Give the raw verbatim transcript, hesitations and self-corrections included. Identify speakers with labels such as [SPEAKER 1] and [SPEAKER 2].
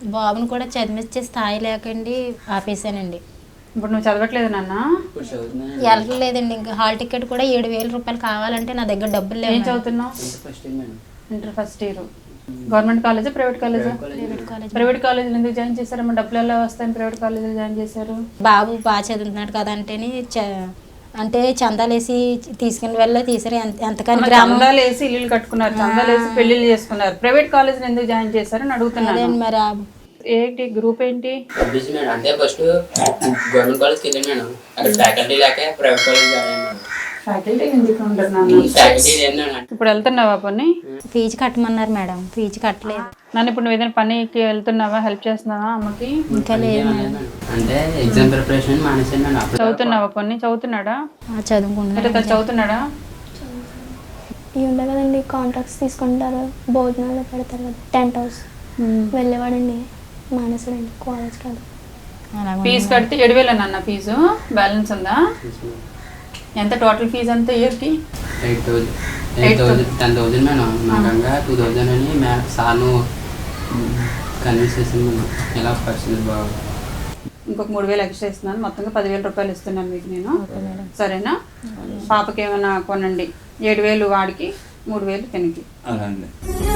[SPEAKER 1] బాబుని కూడా చదివించే స్థాయి లేకండి ఆపేసానండి.
[SPEAKER 2] ఇప్పుడు నువ్వు చదవట్లేదు నాన్న?
[SPEAKER 1] వెళ్ళలేదండి. ఇంకా హాల్ టికెట్ కూడా ఏడు వేల రూపాయలు కావాలంటే నా దగ్గర డబ్బులు లేవు.
[SPEAKER 2] ఏం చదువుతున్నావు? Inter first year. గవర్నమెంట్ కాలేజా ప్రైవేట్ కాలేజా?
[SPEAKER 1] Private college.
[SPEAKER 2] ప్రైవేట్ కాలేజీలో ఎందుకు జాయిన్ చేశారమ్మా? డబ్బులు ఎలా వస్తాయని ప్రైవేట్ కాలేజీలో జాయిన్ చేశారు?
[SPEAKER 1] బాబు బాగా చదువుతున్నాడు కదా అంటేనే అంటే చందాలు వేసి తీసుకుని వెళ్ళి తీసారు. ఎంతకని
[SPEAKER 2] చందాలు వేసి ఇల్లు కట్టుకున్నారు, చందాలు వేసి పెళ్లిళ్ళు చేసుకున్నారు. ప్రైవేట్ కాలేజీలో ఎందుకు జాయిన్ చేశారని అడుగుతున్నాను.
[SPEAKER 1] మరి
[SPEAKER 2] ఏంటి గ్రూప్ ఏంటి?
[SPEAKER 3] అంటే ఫస్ట్ గవర్నమెంట్ కాలేజ్కి వెళ్ళాను మేడం. అక్కడ ఫ్యాకల్టీ లేక ప్రైవేట్ కాలేజ్ జాయిన్ అయ్యాను.
[SPEAKER 2] ఫ్యాకల్టీ ఎందుకు ఉంటున్నాను? ఇప్పుడు వెళ్తున్నావా పని?
[SPEAKER 1] ఫీజు కట్టమన్నారు మేడం, ఫీజు కట్టలేదు.
[SPEAKER 2] నన్ను ఇప్పుడు నువ్వు ఏదైనా పనికి వెళ్తున్నావా? హెల్ప్ చేస్తున్నావా అమ్మకి?
[SPEAKER 1] ఇంకా లేదు మేడం.
[SPEAKER 3] అంటే ఎగ్జామ్ ప్రిపరేషన్ మానేసాను.
[SPEAKER 2] చదువుతున్నావా పని? చదువుతున్నాడా?
[SPEAKER 1] చదువుకుంటున్నా.
[SPEAKER 2] చదువుతున్నాడా?
[SPEAKER 4] ఇవి ఉండే కదండి, కాంట్రాక్ట్స్ తీసుకుంటారు, భోజనాలు పెడతారు కదా, టెంట్ హౌస్ వెళ్ళేవాడండి. మానేసాడండి కాలేజ్ కాదు.
[SPEAKER 2] ఫీజు కడితే ఏడు వేలు అన్న ఫీజు బ్యాలెన్స్ ఉందా? ఎంత టోటల్ ఫీజు అంతా ఇయర్కి?
[SPEAKER 3] Eight thousand eight thousand ten thousand madam. నాకంగా టూ థౌజండ్ అని మే సార్ను కన్విన్స్ చేసాను మేడం. ఎలా పరిస్థితి బాగా
[SPEAKER 2] ఇంకొక మూడు వేలు ఎక్స్ట్రా ఇస్తున్నాను, మొత్తంగా పదివేల రూపాయలు ఇస్తున్నాను మీకు నేను. సరేనా? పాపకి ఏమైనా కొనండి. ఏడు వేలు వాడికి, మూడు వేలు తినికి.